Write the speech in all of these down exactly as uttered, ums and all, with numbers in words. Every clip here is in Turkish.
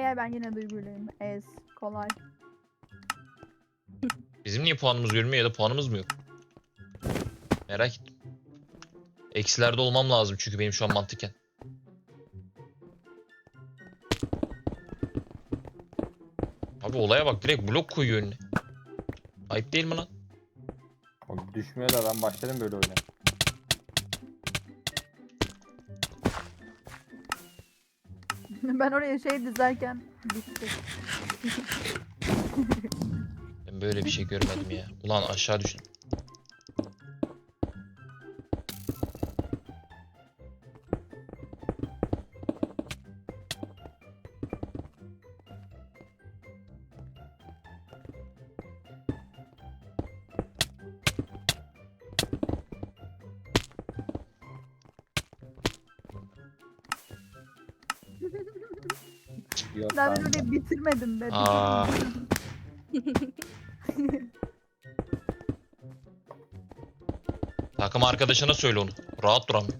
gel ben yine duyguluyum. Ez. Kolay. Bizim niye puanımız görünmüyor ya da puanımız mı yok? Merak ettim. Eksilerde olmam lazım çünkü benim şu an mantıken. Abi olaya bak, direkt blok koyuyor önüne. Ayıp değil mi lan? Oğlum düşmüyor da ben başladım böyle oyuna. Ben oraya şey dizerken bitti. Ben böyle bir şey görmedim ya. Ulan aşağı düşün. Yok Ben ben öyle bitirmedim be. Aa. Takım arkadaşına söyle onu. Rahat duramıyor.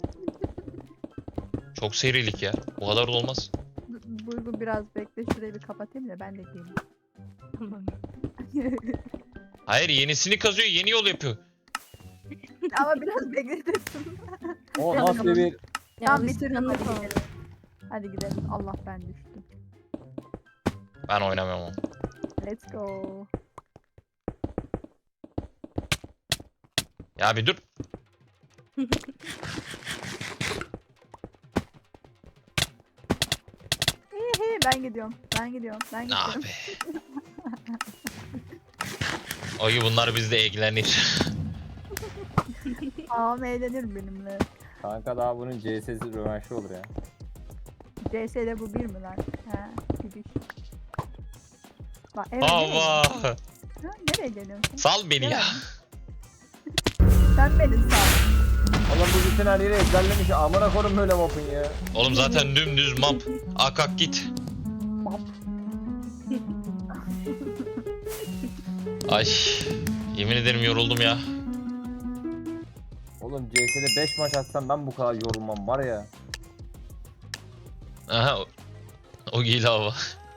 Çok serilik ya. Bu kadar da olmaz. Duygu biraz bekle, şurayı bir kapatayım da ben de geleyim. Tamam. Hayır, yenisini kazıyor, yeni yol yapıyor. Ama biraz bekletirsin. O nasıl bir Tamam bitirdim, hadi Alışkanlık oldu. gidelim. Hadi gidelim. Allah ben düştüm. Ben oynamam onu. Let's go. Ya bir dur. Hihi, ben gidiyorum. Ben gidiyorum. Ben Ah gidiyorum. be. Oy bunlar bizde ilgilenir. Ağam eğlenir benimle. kanka daha bunun C S'si rövanşı olur ya. C S'de bu bir mi lan? He, gidiş. Bak, evet, nereye, Allah. ha, nereye geliyorsun? Sal beni ya. Sen beni sağ. Oğlum bu bütün her yeri ezberlemiş. Amına koyayım böyle mapın ya. Oğlum zaten dümdüz map. Ak ak git. Ay. Yemin ederim yoruldum ya. Oğlum C S'de beş maç atsam ben bu kadar yorulmam var ya. Aha. O, o giyli hava.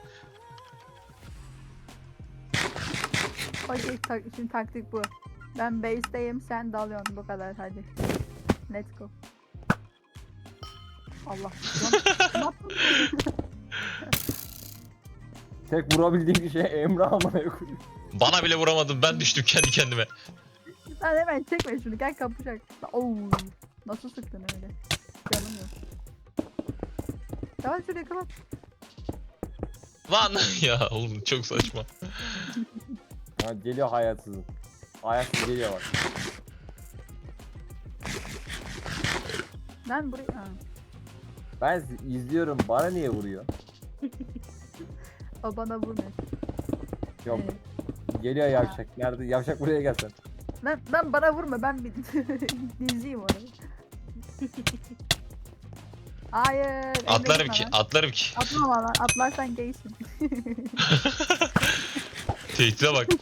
Okey, tak, şimdi taktik bu. Ben base'deyim, sen dalıyorsun, bu kadar, hadi. Let's go. Allah. Lan, ne yaptın? Tek vurabildiğim şey Emre amına koyayım. Bana bile vuramadın, ben düştüm kendi kendime. Lan hemen çekme şunu, gel kapışak. Oo, nasıl sıktın öyle? Canım yok. Tamam, şurayı kapat. Lan ya oğlum çok saçma. Ha, geliyor hayatsızım. Hayatsız geliyor bak. Ben buraya... Ha. Ben izliyorum bana niye vuruyor? O bana vurmuyor. Yok Evet. geliyor yavşak. Nerede? Yavşak buraya gelsen. Lan, lan bana vurma, ben bir diziyim orayı. Hayır. Emre Atlarım gitme ki, lan. atlarım ki. Atlama lan, atlarsan gaysin. Tehdide bak.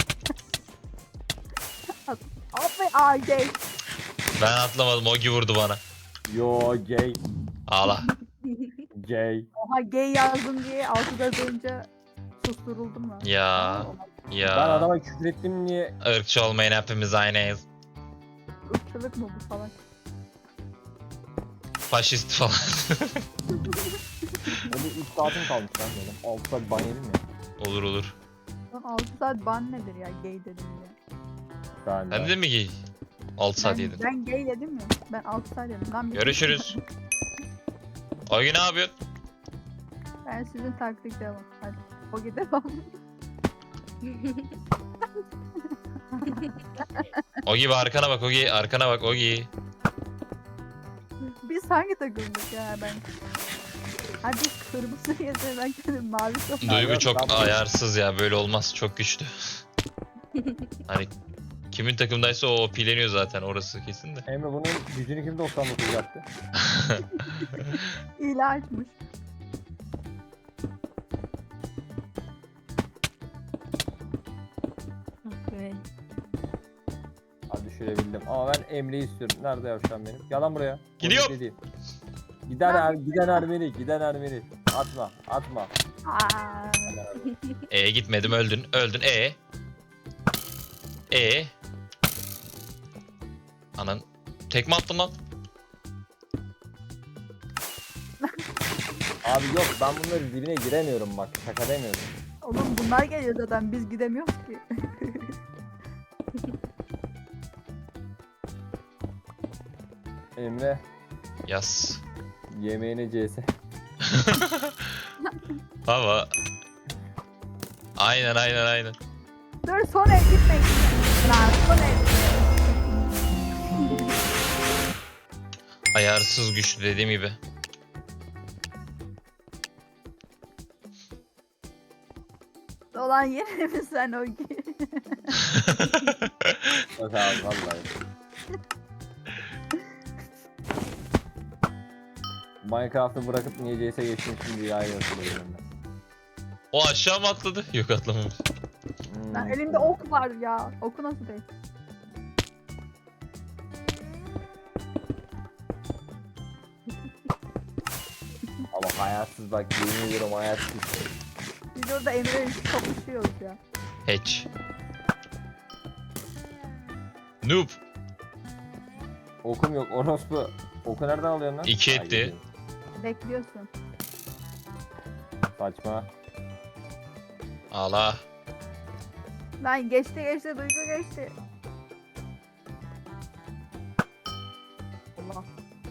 Abi ay gay. Ben atlamadım, Ogi vurdu bana. Yo gay. Ağla. Gay. Oha gay yazdım diye altıda dönünce susturuldum lan. Ya. Aa, Ben Ya. adama küfür ettim niye? Irkçı olmayın, hepimiz aynıyız. ırkçılık mı bu falan? Faşist falan. Öyle üç saatim kalmış lan benim. altı saat ban yedim ya. Olur olur. Lan altı saat ban nedir ya, gay dedim ya. Ben, Ben de mi ki? altı saat Ben, yedim. ben gay dedim ya. Ben altı saat dedim. Lan bir- Görüşürüz. Ogi ne yapıyorsun? Ben sizin taktik devam. Hadi. O devam. Ogi bir arkana bak, Ogi arkana bak, Ogi. Biz hangi takımdık ya ben? Hadi kırmızı yazıyor, ben kendim mavi top. Duygu yok, çok ben- ayarsız ya, böyle olmaz, çok güçlü. Hani kimin takımdaysa o pileniyor zaten, orası kesin de. Emre bunun gücünü kim doksan dokuz yaptı? İyi açmış. Okay. Hadi düşürebildim. Ama ben Emre'yi istiyorum. Nerede yavşan benim? Yalan buraya. Gidiyorum. O değil. Giden er, giden Ermeni, giden Ermeni. atma atma. Aa. E gitmedim, öldün. Öldün. E. E. Anan. Tekme attım lan. Abi yok ben bunların dibine giremiyorum bak şaka demiyorum. Oğlum bunlar geliyor zaten biz gidemiyoruz ki. Emre Yaz. yemeğine C S. Baba. Aynen aynen aynen. Dur son el gitme. Lan son el. Ayarsız güçlü dediğim gibi. Olan yere mi sen o ki? Yok abi vallahi. Minecraft'ı bırakıp niye C S'ye geçtim şimdi ya yazılıyorum ben. O aşağı mı atladı? Yok atlamamış. Hmm. Lan elimde ok var ya. Oku nasıl değil? Ama hayatsız bak yemin ediyorum hayatsız. Biz orada Emre'yle kapışıyoruz ya. Hatch. Noob. Okum yok orospu. Oku nereden alıyorsun lan? İki Ha, etti. yedi. Bekliyorsun. Saçma. Allah. Lan geçti geçti Duygu geçti. Allah.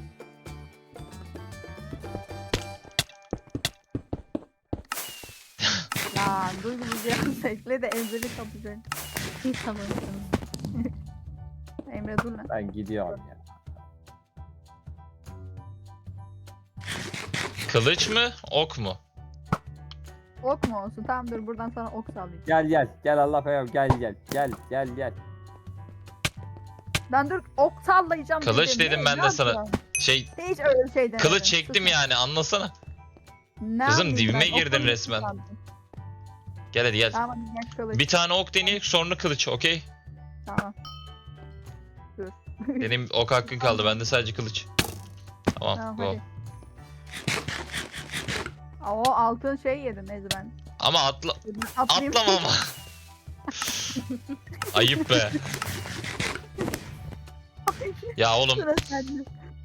Lan Duygu bizi yalnız bekle de Emre'li kapacak. Tamam tamam. Emre dur lan. Ben gidiyorum ya. Kılıç mı? Ok mu? Ok mu olsun? Tamam dur buradan sana ok sallayayım. Gel gel gel Allah peygamber gel gel gel gel gel. Ben dur ok sallayacağım Kılıç dedim Ne- ben ne de sana. yapıyorsun? Şey, Hiç öyle şey demedim. kılıç çektim Sus. yani, anlasana. Ne Kızım, yapayım dibime ben? Ok girdin kılıç resmen. sandım. Gel hadi gel. Tamam hadi gel kılıç. Bir tane ok deneyek, sonra kılıç, okey? Tamam. Benim ok hakkın kaldı, bende sadece kılıç. Tamam, Tamam go. hadi. Aa, o altın şey yedim neyse ben. Ama atla... Atlayayım. Atlama ama. Ayıp be. Ya oğlum, Sıra sende.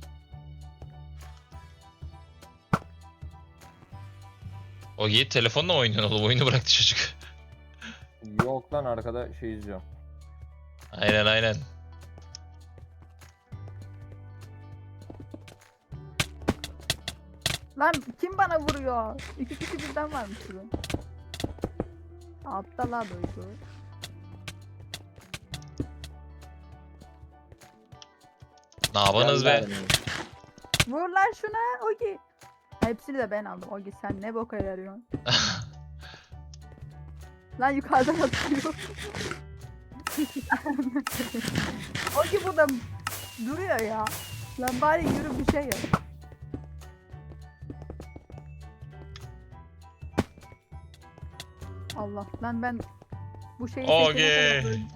o Yiğit telefonla mı oynuyorsun oğlum? Oyunu bıraktı çocuk. Yok lan arkada şey izliyorum. Aynen aynen. Lan kim bana vuruyor? İki kişi birden varmış burada. Altta la Duygu. Ne yapınız Gel be? lan. Vur lan şuna Ogi. Hepsini de ben aldım. Ogi sen ne boka yarıyorsun? Lan yukarıdan atıyor. Ogi burada duruyor ya. Lan bari yürü bir şey yap. Allah lan ben bu şeyi Ogi. seçene kadar öldüm.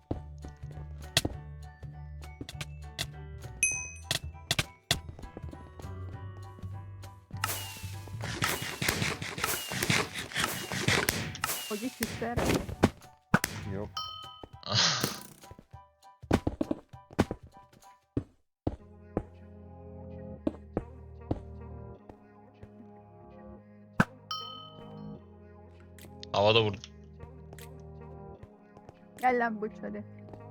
Ogi küstü herhalde. Yok. Havada vurdu. Gel lan buç hadi.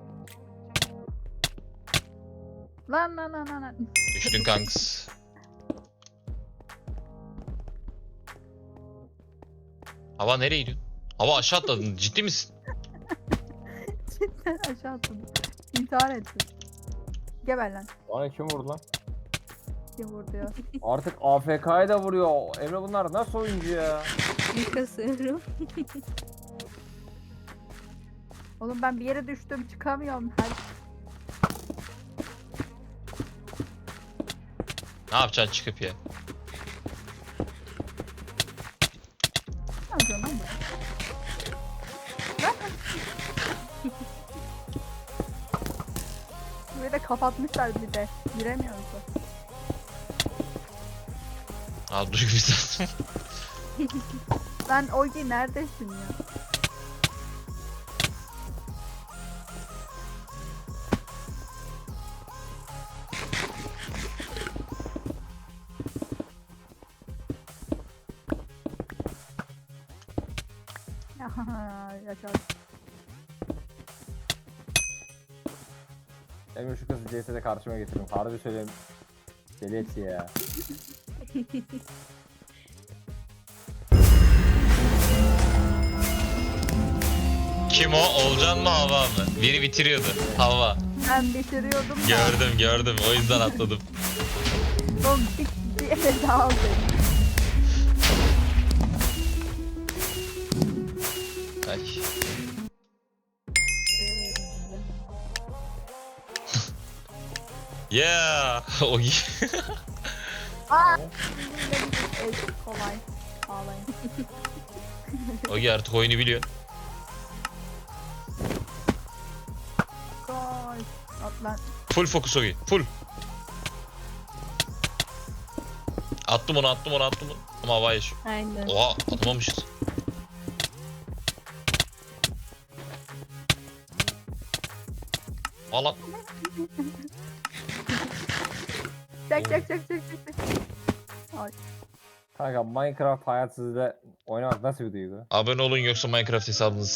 Lan lan lan lan lan. Düştün kanks. Hava nereye gidiyorsun? Hava aşağı atladın, ciddi misin? Cidden aşağı atladım. İntihar ettim. Geber lan. Bana kim vurdu lan? Kim vurdu ya? Artık A F K'ya da vuruyor. Emre bunlar nasıl oyuncu ya? Bir kasıyorum. Oğlum ben bir yere düştüm çıkamıyorum. Hadi. Ne yapacaksın çıkıp ya? Ne yapıyorsun lan bu? Lan. Burayı da kapatmışlar bir de. Giremiyoruz da. Abi Duygu bizden. Lan Ogi neredesin ya? Yaşar. Emre şu kızı C S'de karşıma getirdim. Harbi söyleyeyim. Deli etti ya. Kim o? Olcan mı Hava mı? Biri bitiriyordu. Hava. Ben bitiriyordum da. Gördüm gördüm. O yüzden atladım. Oğlum bir, bir ele daha al beni. Ay. Yeah. O gi- Aa! Evet, kolay. Ağlayın. O gi artık oyunu biliyor. Koş. At lan. Full fokus Ogi. Full. Attım onu attım onu attım onu. Ama havaya şu. Aynen. Oha atamamışız. Valla. Çek çek çek çek çek. çek. Ay. Kanka Minecraft hayatsızda oynamak nasıl bir duygu? Abone olun yoksa Minecraft hesabınızı